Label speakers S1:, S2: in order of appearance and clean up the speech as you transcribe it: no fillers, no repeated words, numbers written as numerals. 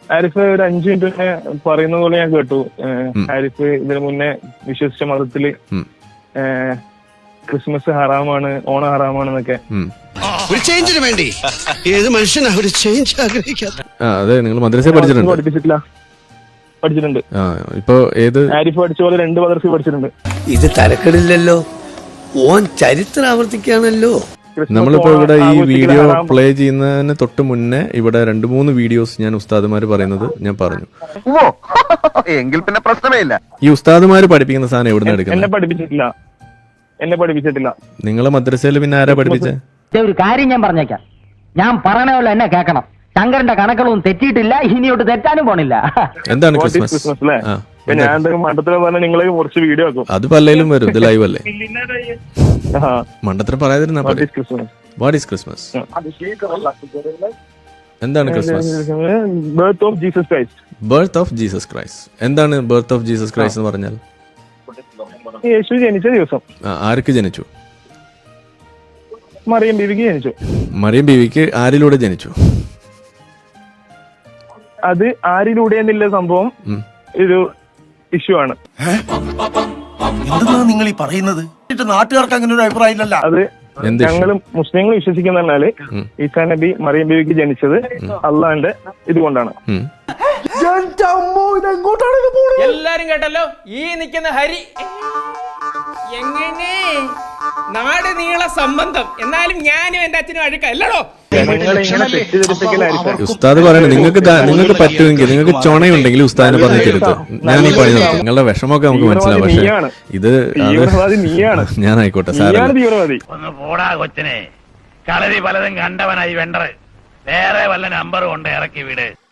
S1: ആരിഫ് ഒരു 5 മിനിറ്റ് മുന്നേ പറയുന്ന പോലെ ഞാൻ കേട്ടു. ആരിഫ് ഇതിനു മുന്നേ വിശ്വസിച്ച മതത്തില് ക്രിസ്മസ് ഹറാമാണ്, ഓണം ഹറാമാണെന്നൊക്കെ.
S2: ഒരു ചേഞ്ചിന് വേണ്ടി ഏത് മനുഷ്യനാ ഒരു ചേഞ്ച് ആഗ്രഹിക്കാത്ത?
S3: അതെ, നിങ്ങൾ മദ്രസ പഠിച്ചിട്ടുണ്ട്?
S1: പഠിച്ചിട്ടുണ്ട്.
S3: ഇപ്പൊ ഏത്
S1: ആരിഫ് പഠിച്ച പോലെ 2 മദ്രസ പഠിച്ചിട്ടുണ്ട്.
S2: ഇത് തരക്കെടില്ലല്ലോ, ഓൻ ചരിത്രം ആവർത്തിക്കാണല്ലോ.
S3: നമ്മളിപ്പോ ഇവിടെ ഈ വീഡിയോ പ്ലേ ചെയ്യുന്നതിന് തൊട്ട് മുന്നേ ഇവിടെ 2-3 വീഡിയോസ് ഞാൻ ഉസ്താദുമാര് പറയുന്നത് ഞാൻ പറഞ്ഞു.
S4: എങ്കിൽ പിന്നെ പ്രശ്നമേ ഇല്ല.
S3: ഈ ഉസ്താദുമാര് പഠിപ്പിക്കുന്ന സാധനം എവിടെ എടുക്കുന്നത്?
S1: എന്നെ പഠിപ്പിച്ചിട്ടില്ല.
S3: നിങ്ങളെ മദ്രസയിൽ പിന്നെ ആരാ പഠിപ്പിച്ചേ?
S5: ഒരു കാര്യം ഞാൻ പറഞ്ഞേക്കാം, ഞാൻ പറയണ പോലെ എന്നെ കേൾക്കണം. ശങ്കരന്റെ കണക്കുകളൊന്നും തെറ്റിയിട്ടില്ല, ഇനിയോട്ട് തെറ്റാനും പോണില്ല.
S3: എന്താണ് ക്രിസ്മസ്?
S1: ഞാൻ മണ്ടത്തിൽ പറഞ്ഞ നിങ്ങളെ കുറച്ച് വീഡിയോ ആക്കും.
S3: അത് പലയിലും വരും, ഇത് ലൈവ് അല്ലേ? മണ്ടത്തിൽ പറയാതിരുന്നാ വാട്ട് ഈസ് ക്രിസ്മസ്? എന്താണ് Christmas?
S1: Birth of Jesus Christ.
S3: Birth of Jesus Christ. എന്താണ് ബർത്ത് ഓഫ് ജീസസ് ക്രൈസ്റ്റ് എന്ന് പറഞ്ഞാൽ?
S1: യേശു ജനിച്ച ദിവസം.
S3: ആർക്ക് ജനിച്ചു?
S1: മറിയം ബീവിക്ക് ജനിച്ചു.
S3: മറിയം ബീവിക്ക് ആരിലൂടെ ജനിച്ചു?
S1: അത് ആരിലൂടെ എന്നുള്ള സംഭവം ഒരു ഇഷ്യൂ ആണ്.
S4: എന്താണ് നിങ്ങൾ ഈ പറയുന്നത്? നാട്ടുകാർക്ക് അങ്ങനെ ഒരു അഭിപ്രായം ഇല്ലല്ലോ.
S1: അത് ഞങ്ങളും മുസ്ലിങ്ങൾ വിശ്വസിക്കുന്ന പറഞ്ഞാല് ഈസാ നബി മറിയം ബീവിക്ക് ജനിച്ചത് അള്ളാന്റെ ഇതുകൊണ്ടാണ്.
S6: എല്ലാരും കേട്ടല്ലോ, ഈ നിൽക്കുന്ന ഹരി എങ്ങനെ നാട് നീള സംബന്ധം. എന്നാലും ഞാനും എന്റെ അച്ഛനും അഴുക്കല്ലോ.
S3: ഉസ്താദ് പറയണേ, നിങ്ങൾക്ക് പറ്റുമെങ്കിൽ, നിങ്ങൾക്ക് ചുണയുണ്ടെങ്കിൽ ഉസ്താദിനെ പറഞ്ഞു തരുത്. ഞാൻ ഈ പണി നിർത്തും. നിങ്ങളുടെ വിഷമമൊക്കെ നമുക്ക് മനസ്സിലാവും. പക്ഷെ ഇത് ഞാൻ ആയിക്കോട്ടെ സാർ.
S7: ഒന്ന് പോടാ കൊച്ചനെ, കളരി പലതും കണ്ടവനായി വെണ്ടറ്. വേറെ വല്ല നമ്പറും കൊണ്ട് ഇറക്കി വിട്.